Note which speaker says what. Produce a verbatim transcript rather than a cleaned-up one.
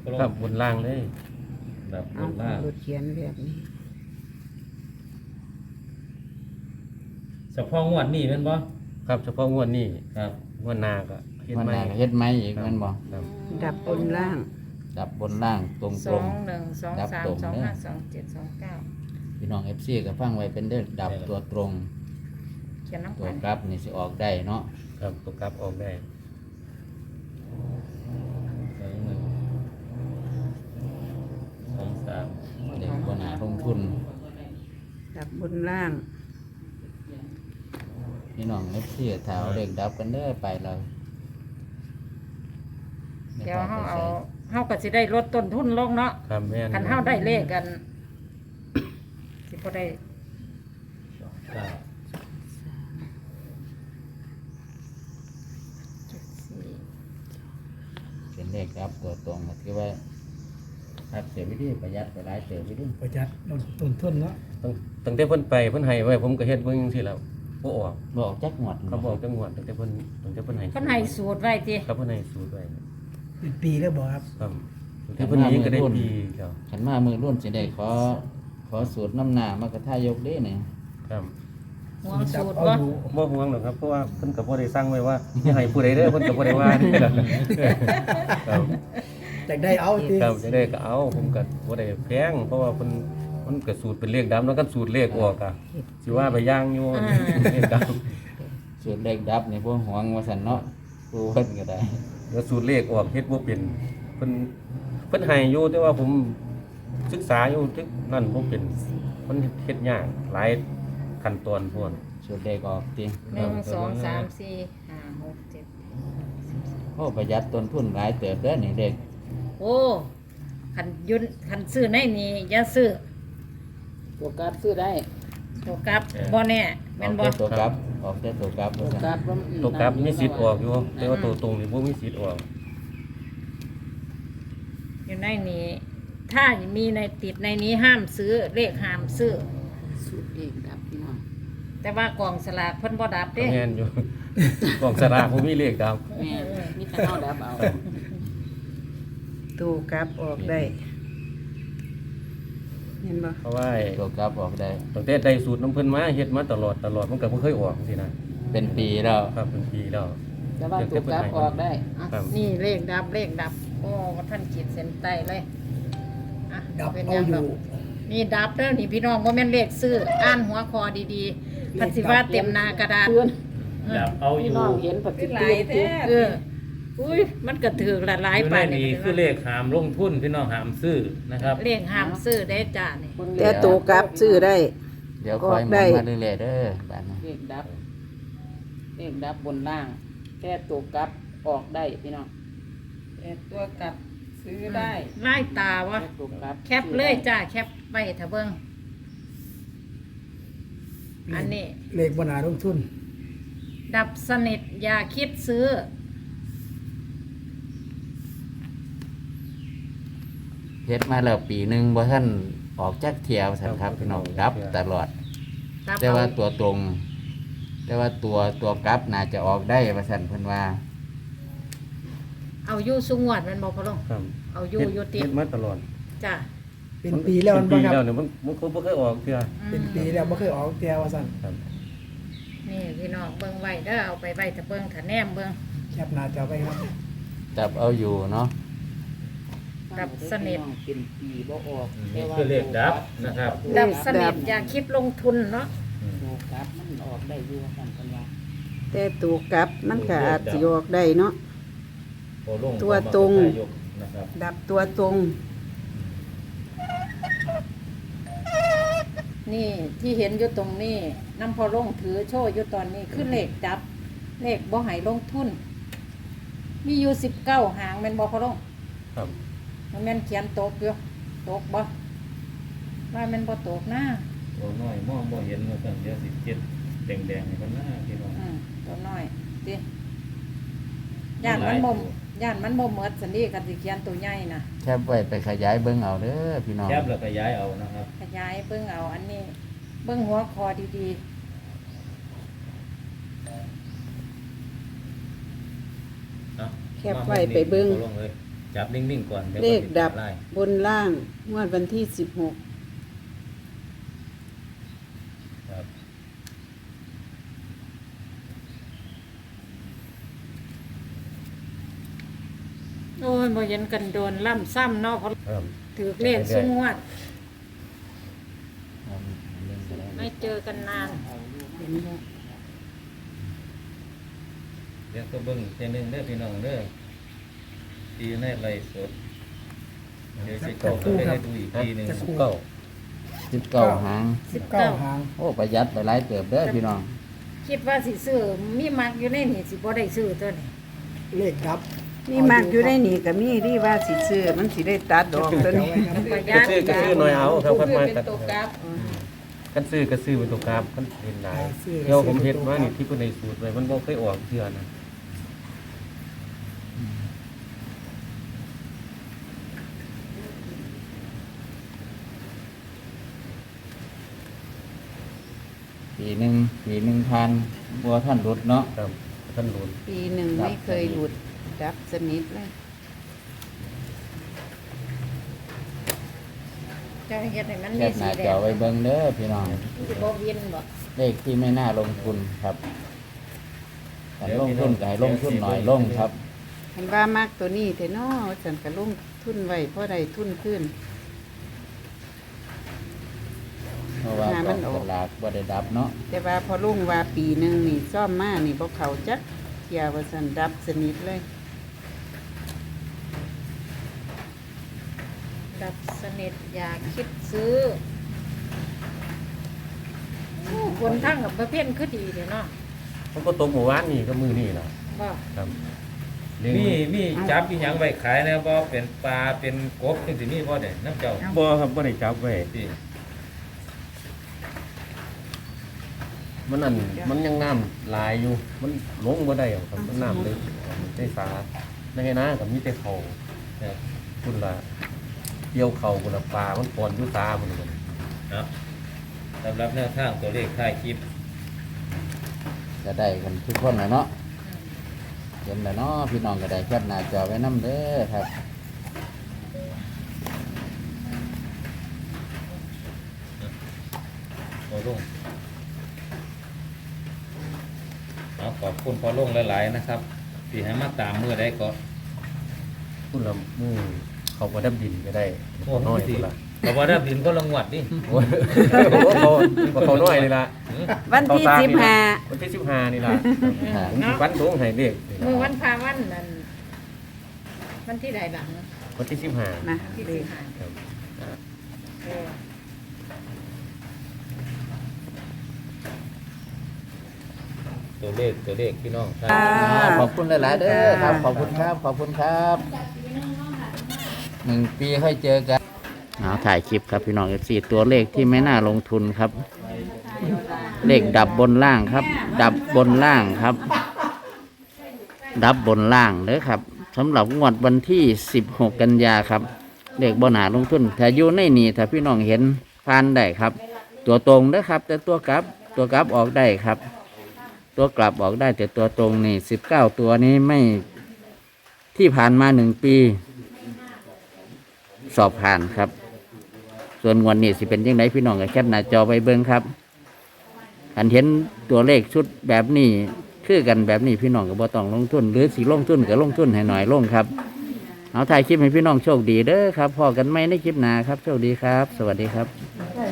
Speaker 1: ครับบนล่างเลยแบบบ
Speaker 2: เอา
Speaker 1: นล่าง
Speaker 2: รถเขียนแบบนี้
Speaker 1: เฉพาะงวดนี้แม่นบ่
Speaker 3: ครับเฉพาะงวดนี้
Speaker 1: ครับ
Speaker 3: งวดหน้าก็เฮ็ด
Speaker 4: วัน
Speaker 3: ใหม่
Speaker 4: หน้าก็เฮ็ดไหมอีกแมันบ่
Speaker 3: ครับ
Speaker 2: ดับบนล่าง
Speaker 4: ดับบนล่างตรง
Speaker 5: ส
Speaker 4: ตร
Speaker 5: อง งหนึ่งสองสามสองห้าสองเจ็ดสองเก้า
Speaker 4: พี่น้อง เอฟ ซี ก็ฟังไว้เป็นเด้อดับตัวตรง
Speaker 5: เขียนน้ำ
Speaker 4: ตัว
Speaker 5: กัน
Speaker 4: กลับนี่สิออกได้เนาะ
Speaker 3: ครับตัวกลับออกได้
Speaker 1: สองหนึ่งสองสาม
Speaker 4: เด็กบ่น่าลงทุน
Speaker 2: ดับบนล่าง
Speaker 4: พี่น้อง เอฟ ซี ถ้าเอาเลขดับกันเด้อไปแล้ว
Speaker 5: เดี๋ยวเฮาเอาเฮาก็สิได้ลดต้นทุนลงเนาะ
Speaker 3: ครับแม่น
Speaker 5: คันเฮาได้เลขกันสิบ่ได้
Speaker 1: สองเก้า
Speaker 5: เจ็ดสี่
Speaker 4: เป็นเลขดับตัวตรงก็ถือว่าครับเสียวิธีประหยัดไปหลายเสียวิธี
Speaker 6: ประหยัดลดต้นทุนเนาะ
Speaker 3: ตั้งตั้งแต่เพิ่นไปเพิ่นให้ไว้ผมก็เฮ็ดเบิ่งจังซี่แหล้วบ่ออก
Speaker 4: บอกจักหมด
Speaker 3: เขาบอกจังหวัดตั้งแต่เพิ่นตั้งแต่เพิ่นให้
Speaker 5: เพิ่นให้สูตรไว้ติ
Speaker 3: ครับเพิ่นให้สูตรไว้
Speaker 6: เป็นปีแล้วบอกครับ
Speaker 3: ครับตั้งแต่เพิ่นนี้ก็ได้ปีแล้ว
Speaker 4: ขันมามือรุ่นสิได้ขอขอสูตรน้ำหน้ามากระทายกเด้เนี่ย
Speaker 3: ครับ
Speaker 5: ห่วงสูตร
Speaker 6: เอา
Speaker 5: บ่
Speaker 6: อยู่
Speaker 3: บ่ห่วงหรอกครับเพราะว่าเพิ่นก็บ่ได้สั่งไว้ว่าอย่าให้ผู้ใดเด้อเพิ่นก็บ่ได้ว่าครับ
Speaker 6: แต่ได้เอาจริง
Speaker 3: ครับจะได้ก็เอาผมก็บ่ได้แพงเพราะว่าเพิ่นมันก็สูตรเป็นเลขดำแล้วก็สูตรเลขออกอ่ะสิว่าไปย่างอยู่เลขดำ
Speaker 4: สูตรเลขดับนี่พวกหวงว่าสันเนาะกูเพิ่นก็ได้
Speaker 3: แล้วสูตรเลขออกเฮ็ดบ่เป็นเพิ่นเพิ่นให้อยู่แต่ว่าผมศึกษาอยู่ทึกนั่นบ่เป็นมันเฮ็ดยากหลายขั้นตอนพวก
Speaker 4: สูตรเลขออกติ
Speaker 5: หนึ่งสองสามสี่ห้าหกเจ็ด
Speaker 4: โอ้ประหยัดต้นทุนหลายเติบเด้อนี่เด็ก
Speaker 5: โอ้คันยุนคันซื้อในนี้อย่าซื้อ
Speaker 2: ตัวกลับซื้อได้
Speaker 5: ตัวกลับบ่แน่
Speaker 4: อ
Speaker 5: แม่
Speaker 4: อน ก
Speaker 5: บ่
Speaker 4: แต่ตัวกลับออกแต่ตัวกลับ
Speaker 2: ตั
Speaker 4: ว่าว สัน
Speaker 2: กลับบ่
Speaker 3: ตัวกลับมีสิทธิ์ออกอยู่แต่ว่าตัวตรงนี่บ่มีสิทธิ์ออก
Speaker 5: อยู่ในนี้ ถ้ามีในติดในนี้ห้ามซื้อเลขห้ามซื้อ
Speaker 2: สูตรเองดับพี่น้อง
Speaker 5: แต่ว่ากล่องสลากเพิ่นบ่ดับ
Speaker 3: ก็
Speaker 5: เด้
Speaker 3: แม่นอยู่ กล่องสลากบ่มีเลขดำ
Speaker 2: แม่มีแต่เฮาดับเอาตัวกลับออกได้ เห็นบ่
Speaker 3: เพราะว่า
Speaker 4: ตัวกลับออกได้
Speaker 3: ตั้งแต่ได้สูตรน้ำเพิ่นมาเฮ็ดมาตลอดตลอดมันก็บ่เคยออกจังซี่นะ
Speaker 4: เป็นปีแล้ว
Speaker 3: ครับเป็นปีแล้ว
Speaker 2: แต่ว่าตัวกลับออกได้อ่ะ
Speaker 3: ครับ
Speaker 5: นี่เลขดับเลขดับ โอ้ท่านขีดเส้นใต้เลยอ่ะ
Speaker 6: ดับ
Speaker 5: เป็น
Speaker 6: เอา
Speaker 5: ยัง
Speaker 6: อ
Speaker 5: ดอก
Speaker 6: ยู่
Speaker 5: นี่ดับแล้วนี่พี่น้องบ่แม่นเลขซื้ออ่านหัวคอดีๆพันสิว่าเต็มหน้ากระดาษ
Speaker 1: ดับเอาอ
Speaker 2: พี่
Speaker 1: ยู่
Speaker 2: น้องเห็นปฏิ
Speaker 5: ห
Speaker 2: ทิ
Speaker 5: ลาย
Speaker 2: น
Speaker 5: แท้เอออุ้ยมันก็ถือละหลาย
Speaker 1: อยู่
Speaker 5: ไป
Speaker 1: ในนี้คือเลขหามลงทุนพี่น้องหามซื้อนะครับ
Speaker 5: เลขห้ามซื้อได้จ้านี่
Speaker 2: แต่ตัวกลับซื้อได้
Speaker 4: เดี๋ยวคอยหมุ
Speaker 2: ได้
Speaker 4: นมาเรื่อยๆเด้อบ้านนี้
Speaker 2: เลขดับเลขดับบนล่าง แค่ตัวกลับออกได้พี่น้องแต่ตัวกลับซื้อได้
Speaker 5: ไล่ตาวะ
Speaker 2: แค่ตัวกลับ
Speaker 5: แคปเลยจ้าแคปไว้ถ้าเบิ่งอันนี้
Speaker 6: เลขบนาลงทุน
Speaker 5: ดับสนิทอย่าคิดซื้อ
Speaker 4: เฮ็ดมาแล้วปีหนึงบ่ทันออกจักเที่ยวสันครับพี่น้องดับตลอด
Speaker 5: ดับ
Speaker 4: แต่ว่า
Speaker 5: เอา
Speaker 4: ตัวตรง แต่ว่าตัวตัวกลับน่าจะออกได้ว่าซั่นเพิ่นว่า
Speaker 5: เอาอยู่สุงวดแมันบ่พอลง
Speaker 3: ครับ
Speaker 5: เอาอยู่อยู่ติ
Speaker 3: เฮ็
Speaker 5: ด
Speaker 3: ดมาตลอด
Speaker 5: จ้า
Speaker 6: เป็นปีแล้วมัน
Speaker 3: เป็
Speaker 6: บ่
Speaker 3: นปี
Speaker 6: ครับ
Speaker 3: แล้วเนี่ยมันมันก็บ่เคยออกเทื่อ
Speaker 6: เป็นปีแล้วบ่เคยออกแก้วว่าซั่น
Speaker 3: ครับ
Speaker 5: นี่พี่น้องเบิ่งไว้เด้อเอาไปไว้ถ้าเบิ่งถ้าแนมเบิ่ง
Speaker 6: แคปหน้าจอไปครับ
Speaker 4: จับเอาอยู่เนาะ
Speaker 5: ดับสนิท
Speaker 2: เป็นปีบ่ออก
Speaker 1: นี่คือเลขดับนะครับ
Speaker 5: ดับสนิทอย่าคิดลงทุนเนาะ
Speaker 2: ตัวกลับมันออกได้อยู่ว่าซั่นเพิ่นว่า
Speaker 7: แต่ตัวกลับมันก็อาจสิออกได้เนาะ
Speaker 1: โอ้ลง
Speaker 7: ตัวตรง
Speaker 1: ยกนะครับ
Speaker 7: ดับตัวตรง
Speaker 5: นี่ที่เห็นอยู่ตรงนี้น้ำพอลงถือโชว์อยู่ตอนนี้คือเลขดับ เลขบ่ให้ลงทุน มีอยู่สิบเก้าหางแม่นบ่พอลง
Speaker 3: ครับ
Speaker 5: มันแม่นเขียนตกอยู่ตกบ่ว่าแม่นบ่ตกนะ
Speaker 1: ตัวน้อยมองบ่เห็นว่าซั่นเดี๋ยวสิเจ็ดแดงๆนี่กันหน้าพี่น้อง
Speaker 5: อืมตัวน้อยติย่านมันบ่มย่านมันบ่หมดสันนี้กันสิเขียนตัวใหญ่น่ะ
Speaker 4: แคบไว้ไปขยายเบิ่งเอาเด้อพี่น้อง
Speaker 1: แคบแล้วก็ย้ายเอานะครับ
Speaker 5: ขยายเบิ่งเอาอันนี้ เบิ่งหัวคอดี
Speaker 1: เนาะ
Speaker 7: แคปไว้ไปเบิ่ง
Speaker 1: ลงเลย
Speaker 5: ๆ
Speaker 1: จับนิ่งๆก่อนดี๋ยว
Speaker 7: เลข
Speaker 1: มันสิ
Speaker 7: ดับ
Speaker 1: ไล่
Speaker 7: บนล่างงวดวันที่สิบหก
Speaker 1: ครับ
Speaker 5: โอ้ยบ่เห็นกันโดนล่ำซ้ำเนาะเพราะ
Speaker 3: ครับ
Speaker 5: ถือเลขสูงวัด
Speaker 4: เอาเล่นก็ได้
Speaker 5: ไม่เจอกันนาน
Speaker 7: เห็นบ่
Speaker 1: เดี๋ยวก็เบิ่งเทนึงเด้อพี่น้องเด้อทีในไลฟ์สดเดี๋ยวสิเข้าไปให้ดูอีกทีหนึง
Speaker 3: สิบเก้า
Speaker 4: สิบเก้าหาง
Speaker 6: สิบเก้าหาง
Speaker 4: โอ้ประหยัดไปหลายเติบเด้อพี่น้อง
Speaker 5: คิดว่าสิซื้อมีมักอยู่ในนี่สิบ่ได้ซื้อตัวนี้
Speaker 6: เลขดับ
Speaker 7: นี่มากอยู่ได้นี่ก็มีที่ว่าสิซื้อมันสิได้ตัดดอกตัวนี้
Speaker 5: ประหยั
Speaker 3: ก็
Speaker 5: ด
Speaker 3: ซื้อก็ซื้อหน่อยเอาครับคันมา
Speaker 2: เป็น
Speaker 3: ตัด
Speaker 2: ตัวกราฟ
Speaker 3: คันซื้อก็ซื้อเป็นตัวกราฟคันเห็นได้เดี๋ยวผมเฮ็ดมานี่ที่เพิ่นให้สูตรไว้มันบ่เคยออกเทื่อนะ
Speaker 4: ปีหนึ่งปีหนึ่งพันบัวท่านรุดเนาะ
Speaker 3: ครับท่านรู้
Speaker 7: ปีหนึ่งไม่เคยหลุดดับสนิทเลย
Speaker 5: จะเฮ็ดให้มัน
Speaker 4: แค
Speaker 5: มี
Speaker 4: ปห
Speaker 5: สี
Speaker 4: น้า
Speaker 5: แด
Speaker 4: จอง ไว้เบิ่งเด้อพี่น้อง
Speaker 5: สิบ่เวียนบ่
Speaker 4: เลขที่ไม่น่าลงทุนครับการลงทุนก็ให้ลงทุนหน่อยลงครับ
Speaker 7: เห็นว่ามากตัวนี้เถอะเนาะฉันก็ลงทุนไว้เพราะได้ทุนขึ้น
Speaker 4: เพราะว่าก
Speaker 7: งานมั
Speaker 4: อง
Speaker 7: นออก
Speaker 4: สลากบ่ได้ดับเนาะ
Speaker 7: แต่ว่าพอลุงว่าปีหนึ่งนี่ซ่อมมานี่บ่เขาจักเที่ยวว่าสันดับสนิทเลย
Speaker 5: ดับสนิทอย่าคิดซื้อโอ้คนทั้งกับประเภทคือดีเด้เนาะ
Speaker 3: มันก็ตกหมู่บ้านนี่ก็มือนี่ล่ะ
Speaker 5: บ่
Speaker 3: ครับ
Speaker 1: มีมีจับอีหยังไว้ขายนะบ่เป็นปลาเป็นกบจังสิมีบ่ได้น้ำเจ้า
Speaker 3: บ่ครับบ่ได้จับไว้
Speaker 1: ที่
Speaker 3: มันอันมันยังน้ำลายอยู่ มันลงบ่ได้หรอกครับมันน้ำลึกมันได้สาในนากับมีแต่เขาเนี่ยคุณละเกี่ยวเขาคุณละปลา มันปอนอยู่ตาคุณมัน
Speaker 1: เนาะสำหรับแนวทางตัวเลขท้ายคลิป
Speaker 4: จะได้กันทุกคนนะเนาะเห็นแล้วเนาะพี่น้องก็ได้แคปหน้าจอไว้นํเด้อครับ
Speaker 1: พอลงเอาขอบคุณพอลงหลายๆนะครับที่ให้มาตามมือได้ก็
Speaker 3: คุณละมือเขาก็ดับดินก็ได้
Speaker 1: โอ้
Speaker 3: น้อย
Speaker 1: ดี
Speaker 3: คุณละ
Speaker 1: แต่ว่าได้บินก็ลงวัดนี่
Speaker 3: โอ้ยเขาเขาน้อยนี่ละ
Speaker 7: วันที่
Speaker 3: เข
Speaker 7: สิบ
Speaker 3: นี่ล่ะ
Speaker 7: ห้า
Speaker 3: วันที่สิบห้านี่ละ
Speaker 4: ค่ะ
Speaker 3: ผมสิวันดวงให้เด็กนี่
Speaker 5: มือวั
Speaker 3: ล่ะ
Speaker 5: นพาวันนั่นวันที่ใดบ้าง
Speaker 3: วันที่สิบห้า
Speaker 7: นะ
Speaker 5: ที่
Speaker 7: เล
Speaker 5: สิ
Speaker 7: ข
Speaker 5: บห้า
Speaker 3: ครับ
Speaker 5: เออ
Speaker 1: ตัวเลขตัวเลขพี่น้องครับ
Speaker 7: อ่า
Speaker 4: ขอบคุณหลายๆเด้อครับ ขอบคุณครับ ขอบคุณครับหนึ่งปีค่อยเจอกันเอาถ่ายคลิปครับพี่น้องเอฟซีตัวเลขที่ไม่น่าลงทุนครับ เลขดับบนล่างครับ ดับบนล่างครับ ดับบนล่างเด้อครับสำหรับงวดวันที่สิบหกกันยาครับ เลขบนหาลงทุนถ้าอยู่ในนี่ถ้าพี่น้องเห็นผ่านได้ครับ ตัวตรงเด้อครับ แต่ตัวกลับตัวกลับออกได้ครับ ตัวกลับออกได้แต่ตัวตรงนี่สิบเก้าตัวนี้ไม่ที่ผ่านมาหนึ่งปี สอบผ่านครับ ส่วนงวันนี้สิเป็นยังไงพี่น้องก็แคปหน้าจอไปเบิ่งครับอันเห็นตัวเลขชุดแบบนี้คือกันแบบนี้พี่น้องก็บ่ต้องลงทุน หรือสิลงทุนก็ลงทุนให้หน่อยลงครับเอาถ่ายคลิปให้พี่น้องโชคดีเด้อครับพอกันไหมในคลิปหน้าครับโชคดีครับ สวัสดีครับ
Speaker 5: ได้